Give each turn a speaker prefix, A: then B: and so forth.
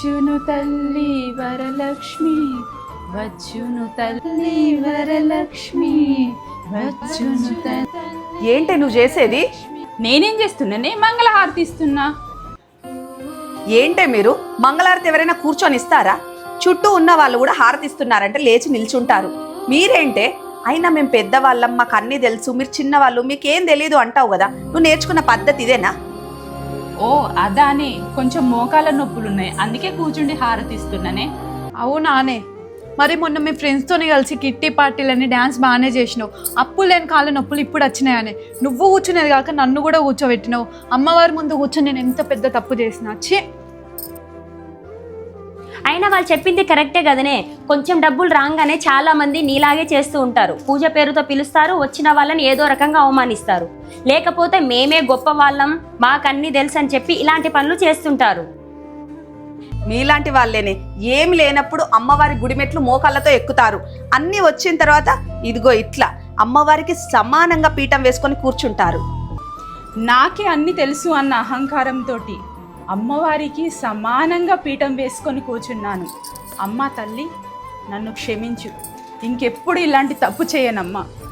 A: వచ్చును తల్లి వరలక్ష్మి, వచ్చును తల్లి వరలక్ష్మి, వచ్చును తల్లి.
B: ఏంటి నువ్వు చేసేది?
A: నేనేం చేస్తున్నానే? మంగళహారతి ఇస్తున్నా.
B: ఏంటే మీరు మంగళారతి ఎవరైనా కూర్చొని ఇస్తారా? చుట్టూ ఉన్న వాళ్ళు కూడా హారతి ఇస్తున్నారంటే లేచి నిల్చుంటారు. మీరేంటే? అయినా మేము పెద్దవాళ్ళం, మాకు అన్నీ తెలుసు, మీరు చిన్నవాళ్ళు, మీకేం తెలీదు అంటావు కదా. నువ్వు నేర్చుకున్న పద్ధతి ఇదేనా?
A: ఓ అదానే, కొంచెం మోకాల నొప్పులున్నాయి, అందుకే కూర్చుండి హారతి ఇస్తున్నానే.
C: అవునానే? మరి మొన్న మీ ఫ్రెండ్స్తోని కలిసి కిట్టి పార్టీలని డ్యాన్స్ బాగానే చేసినావు. అప్పులు లేని కాళ్ళ నొప్పులు ఇప్పుడు వచ్చినాయని నువ్వు కూర్చునేది కాక నన్ను కూడా కూర్చోబెట్టినావు. అమ్మవారి ముందు కూర్చొని నేను ఎంత పెద్ద తప్పు చేసిన. ఛీ!
D: అయినా వాళ్ళు చెప్పింది కరెక్టే కదనే. కొంచెం డబ్బులు రాగానే చాలా మంది నీలాగే చేస్తూ ఉంటారు. పూజ పేరుతో పిలుస్తారు, వచ్చిన వాళ్ళని ఏదో రకంగా అవమానిస్తారు. లేకపోతే మేమే గొప్ప వాళ్ళం, మాకన్నీ తెలుసు అని చెప్పి ఇలాంటి పనులు చేస్తుంటారు.
B: మీలాంటి వాళ్ళేనే ఏమి లేనప్పుడు అమ్మవారి గుడిమెట్లు మోకాళ్ళతో ఎక్కుతారు. అన్నీ వచ్చిన తర్వాత ఇదిగో ఇట్లా అమ్మవారికి సమానంగా పీఠం వేసుకొని కూర్చుంటారు.
A: నాకే అన్ని తెలుసు అన్న అహంకారంతో అమ్మవారికి సమానంగా పీఠం వేసుకొని కూర్చున్నాను. అమ్మ తల్లి, నన్ను క్షమించు, ఇంకెప్పుడు ఇలాంటి తప్పు చేయనమ్మా.